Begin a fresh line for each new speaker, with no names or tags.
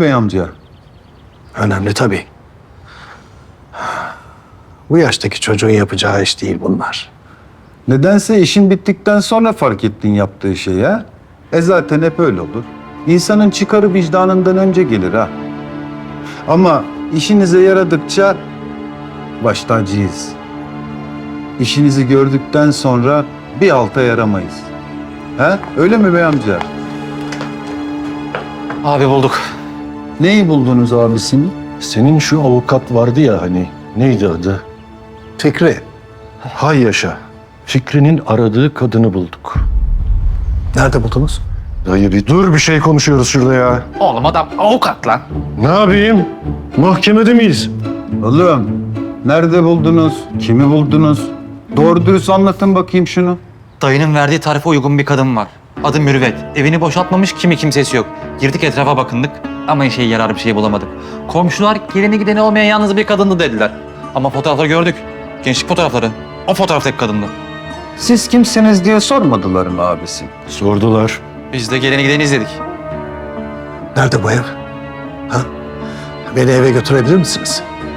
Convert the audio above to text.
bey amca?
Önemli tabii. Bu yaştaki çocuğun yapacağı iş değil bunlar.
Nedense işin bittikten sonra fark ettin yaptığı şeyi ha? Zaten hep öyle olur. İnsanın çıkarı vicdanından önce gelir ha. Ama işinize yaradıkça baş tacıyız. İşinizi gördükten sonra bir alta yaramayız. Ha? Öyle mi bey amca?
Abi bulduk.
Neyi buldunuz abisini?
Senin şu avukat vardı ya hani, neydi adı?
Fikri,
Hay yaşa. Fikri'nin aradığı kadını bulduk.
nerede buldunuz?
Dayı bir dur, bir şey konuşuyoruz şurada ya.
Oğlum adam avukat lan.
Ne yapayım? Mahkemede miyiz?
Oğlum, nerede buldunuz? Kimi buldunuz? Doğru dürüst anlatın bakayım şunu.
Dayının verdiği tarife uygun bir kadın var. Adı Mürüvvet. Evini boşaltmamış, kimsesi yok. Girdik etrafa bakındık ama işe yarar bir şey bulamadık. Komşular geleni gideni olmayan yalnız bir kadındı dediler. Ama fotoğrafları gördük. Gençlik fotoğrafları. O fotoğraftaki kadındı.
Siz kimsiniz diye sormadılar mı abisi?
Sordular.
Biz de geleni gideni izledik.
Nerede bu ev? Ha? Beni eve götürebilir misiniz?